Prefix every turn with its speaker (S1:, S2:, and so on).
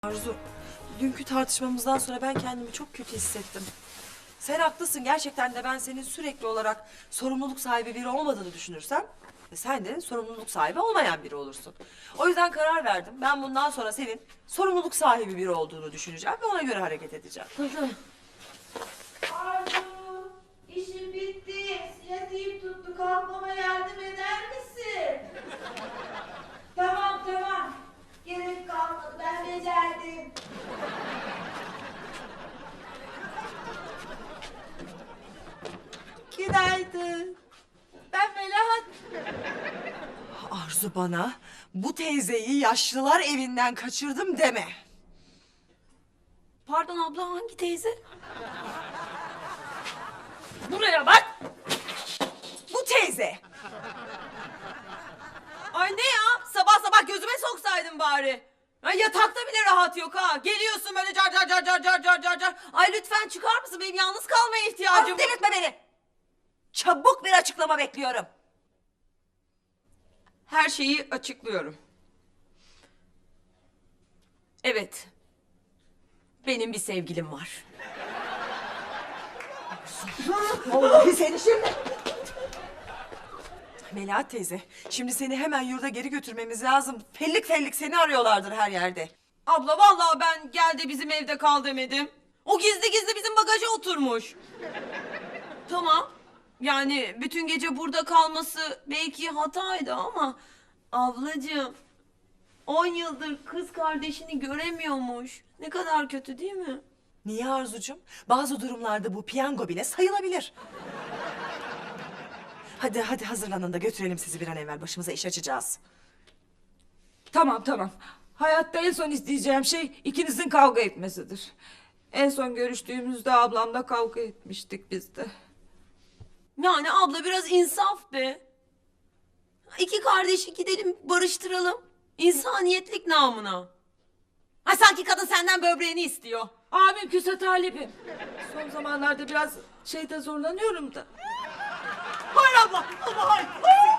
S1: Arzu, dünkü tartışmamızdan sonra ben kendimi çok kötü hissettim. Sen haklısın, gerçekten de ben senin sürekli olarak sorumluluk sahibi biri olmadığını düşünürsem... ...sen de sorumluluk sahibi olmayan biri olursun. O yüzden karar verdim. Ben bundan sonra senin sorumluluk sahibi biri olduğunu düşüneceğim ve ona göre hareket edeceğim.
S2: Arzu, işim bitti. Sinetiğim tuttu. Kalkmama yardım eder misin? Tamam. Gerek kalmadı. Ben becerdim. Günaydın. Ben Melahat.
S1: Arzu, bana bu teyzeyi yaşlılar evinden kaçırdım deme.
S2: Pardon abla, hangi teyze? Buraya bak.
S1: Bu teyze!
S2: Ay ne ya? Sabah sabah gözüme soksaydın bari. Ay yatakta bile rahat yok ha. Geliyorsun böyle car. Ay lütfen çıkar mısın? Benim yalnız kalmaya ihtiyacım
S1: Arzu, delirtme beni! Çabuk bir açıklama bekliyorum.
S2: Her şeyi açıklıyorum. Evet. Benim bir sevgilim var.
S1: Vallahi seni şimdi... Melahat teyze, şimdi seni hemen yurda geri götürmemiz lazım. Fellik fellik seni arıyorlardır her yerde.
S2: Abla vallahi ben gel de bizim evde kal demedim. O gizli gizli bizim bagaja oturmuş. Tamam. Yani bütün gece burada kalması belki hataydı ama... Ablacığım... 10 yıldır kız kardeşini göremiyormuş. Ne kadar kötü değil mi?
S1: Niye Arzucuğum? Bazı durumlarda bu piyango bile sayılabilir. Hadi hazırlanın da götürelim sizi bir an evvel. Başımıza iş açacağız.
S3: Tamam. Hayatta en son isteyeceğim şey ikinizin kavga etmesidir. En son görüştüğümüzde ablamla kavga etmiştik biz de.
S2: Yani abla biraz insaf be. İki kardeşi gidelim barıştıralım. İnsaniyetlik namına. Ay sanki kadın senden böbreğini istiyor.
S3: Mümkünse talibim. Son zamanlarda biraz şeyde zorlanıyorum da.
S2: Hayır abla. Hayır.